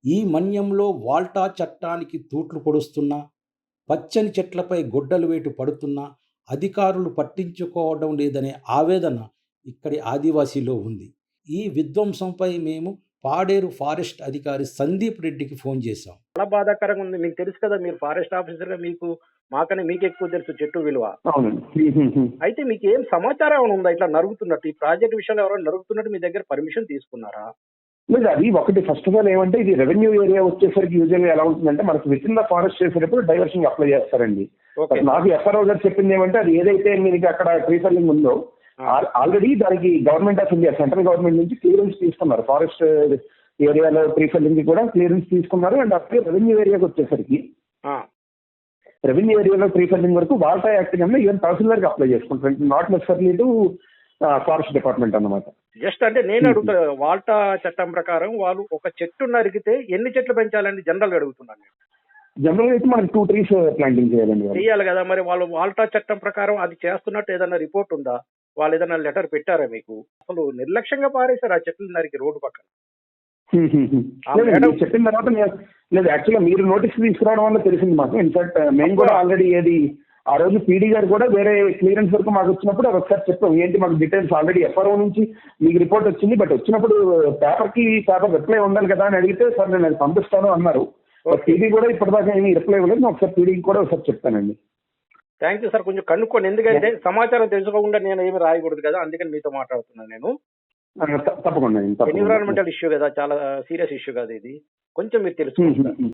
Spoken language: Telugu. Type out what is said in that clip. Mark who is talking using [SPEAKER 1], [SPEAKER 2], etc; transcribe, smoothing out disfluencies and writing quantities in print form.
[SPEAKER 1] ఈ మన్యంలో వాల్టా చట్టానికి తూట్లు పొడుస్తున్నా, పచ్చని చెట్లపై గొడ్డలి వేటు పడుతున్నా అధికారులు పట్టించుకోవడం లేదనే ఆవేదన ఇక్కడి ఆదివాసీలో ఉంది. ఈ విధ్వంసంపై మేము పాడేరు ఫారెస్ట్ అధికారి సందీప్ రెడ్డికి ఫోన్ చేశాం.
[SPEAKER 2] చాలా బాధాకరంగా ఉంది. మీకు తెలుసు కదా, మీరు ఫారెస్ట్ ఆఫీసర్‌గా మాకన్నా మీకెక్కువ తెలుసు చెట్టు విలువ.
[SPEAKER 3] అవునండి.
[SPEAKER 2] అయితే మీకేం సమాచారం ఏమైనా ఉందా ఇట్లా నరుగుతున్నట్టు? ఈ ప్రాజెక్ట్ విషయంలో ఎవరైనా నరుగుతున్నట్టు మీ దగ్గర పర్మిషన్ తీసుకున్నారా?
[SPEAKER 3] లేదు, అది ఒకటి. ఫస్ట్ ఆఫ్ ఆల్ ఏమంటే, ఇది రెవెన్యూ ఏరియా వచ్చేసరికి యూజువల్గా ఎలా ఉంటుందంటే, మనకు విత్ ఇన్ ద ఫారెస్ట్ చేసేటప్పుడు డైవర్షన్ అప్లై చేస్తారండి.
[SPEAKER 2] ఓకే.
[SPEAKER 3] నాకు ఎఫ్ఆర్ఓ గారు చెప్పింది ఏమంటే, అది ఏదైతే మీకు అక్కడ ట్రీ ఫెల్లింగ్ ఉందో ఆల్రెడీ దానికి government of India, central government నుంచి క్లియరెన్స్ తీసుకున్నారు. ఫారెస్ట్ ఏరియాలో ట్రీ ఫెల్లింగ్ కూడా క్లియరెన్స్ తీసుకున్నారు. అండ్ అప్పుడే రెవెన్యూ ఏరియాకి వచ్చేసరికి రెవెన్యూ ఏరియాలో ట్రీ ఫెల్లింగ్ వరకు వాల్టా యాక్ట్ కింద ఈవెన్ తహసీల్దార్కి అప్లై చేసుకుంటారు. Not necessary to forest department అన్నమాట.
[SPEAKER 2] జస్ట్ అంటే నేను అడుగుతా, వాల్టా చట్టం ప్రకారం వాళ్ళు ఒక చెట్టు నరికితే ఎన్ని చెట్లు పెంచాలని జనరల్ అడుగుతున్నాను నేను.
[SPEAKER 3] జనరల్ అయితే మనకి 2 trees ప్లాంటింగ్ చేయాలండి.
[SPEAKER 2] చెయ్యాలి కదా, మరి వాళ్ళు వాల్టా చట్టం ప్రకారం అది చేస్తున్నట్టు ఏదైనా రిపోర్ట్ ఉందా? వాళ్ళు ఏదైనా లెటర్ పెట్టారా మీకు? అసలు నిర్లక్ష్యంగా పారేశారు ఆ చెట్లు నరికి రోడ్డు పక్కన.
[SPEAKER 3] చెప్పిన తర్వాత లేదు, యాక్చువల్గా మీరు నోటీస్ తీసుకురావడం వల్ల తెలిసింది మాకు. ఇన్ఫాక్ట్ మేము కూడా ఆల్రెడీ ఆ రోజు పీడీ గారు కూడా వేరే క్లియరెన్స్ వరకు మాకు వచ్చినప్పుడు అది ఒకసారి చెప్పాం. ఏంటి మాకు డీటెయిల్స్ ఆల్రెడీ ఎఫ్ఆర్ఓ నుంచి మీకు రిపోర్ట్ వచ్చింది, బట్ వచ్చినప్పుడు పేపర్ రిప్లై ఉండాలి కదా అని అడిగితే, సార్ నేను అది పంపిస్తాను అన్నారు. పీడీ కూడా ఇప్పటిదాకా ఏమీ రిప్లై ఇవ్వలేదు. నేను ఒకసారి పీడీకి కూడా ఒకసారి చెప్తానండి.
[SPEAKER 2] థ్యాంక్ యూ సార్, కొంచెం కనుక్కోండి. ఎందుకంటే సమాచారం తెలుసుకోకుండా నేను ఏమి రాయకూడదు కదా, అందుకని మీతో మాట్లాడుతున్నాను నేను.
[SPEAKER 3] తప్పకుండా.
[SPEAKER 2] ఎన్విరాన్మెంటల్ ఇష్యూ కదా, చాలా సీరియస్ ఇష్యూ కదా ఇది, కొంచెం మీరు తెలుసుకుంటారు.